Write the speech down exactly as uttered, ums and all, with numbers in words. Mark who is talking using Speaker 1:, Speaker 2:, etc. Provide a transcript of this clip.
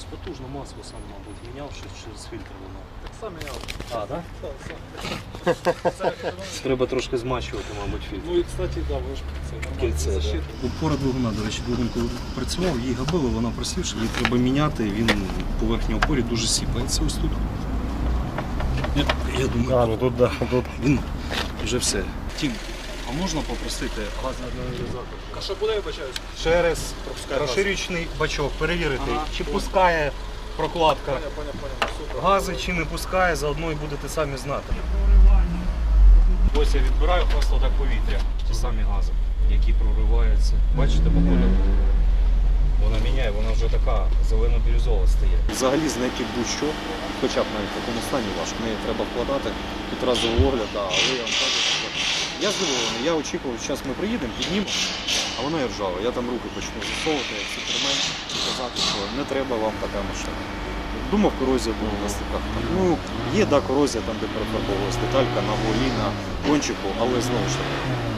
Speaker 1: Щось потужно масло сам, мабуть, міняв, щось через фільтр воно.
Speaker 2: Так сам міняв.
Speaker 1: А, так?
Speaker 2: Так, сам.
Speaker 1: Треба трошки змащувати, мабуть, фільтр.
Speaker 2: Ну і, кстати, да, ви ж це нормально.
Speaker 1: Кільце, да.
Speaker 2: Защита.
Speaker 3: Опора двигуна, до речі, двигун коли працював, її габило, вона просівша, її треба міняти, він по верхній опорі дуже сіпається ось тут. Я, я думаю,
Speaker 1: А, ну тут, да, тут.
Speaker 3: він вже все. Тім, а можна попросити газний аналізатор?
Speaker 2: А що буде, я вибачаюсь?
Speaker 3: Через
Speaker 2: Пропускає газ.
Speaker 3: розширюючий бачок перевірити,
Speaker 2: Ага,
Speaker 3: чи
Speaker 2: понял.
Speaker 3: пускає прокладка
Speaker 2: Поняв, поняв, поняв. Супер.
Speaker 3: гази, чи не пускає, заодно і будете самі знати. Ось я відбираю просто так повітря, ті самі гази, які прориваються. Бачите, по кольору? Вона міняє, вона вже така зелено-бірюзова стає. Взагалі знайти будь-що, хоча б навіть в такому стані важко, в неї треба вкладати тут разовий огляд, да, але я вам кажу, що я здивований, я очікував, що зараз ми приїдемо, піднімемо, а вона і ржава. Я там руки почну засовувати, як супермен, і казати, що не треба вам така машина. Думав, корозія була на стиках. Ну, є, да, корозія там, де перефарбовувалась деталька на волі, на кончику, але знову ж таки.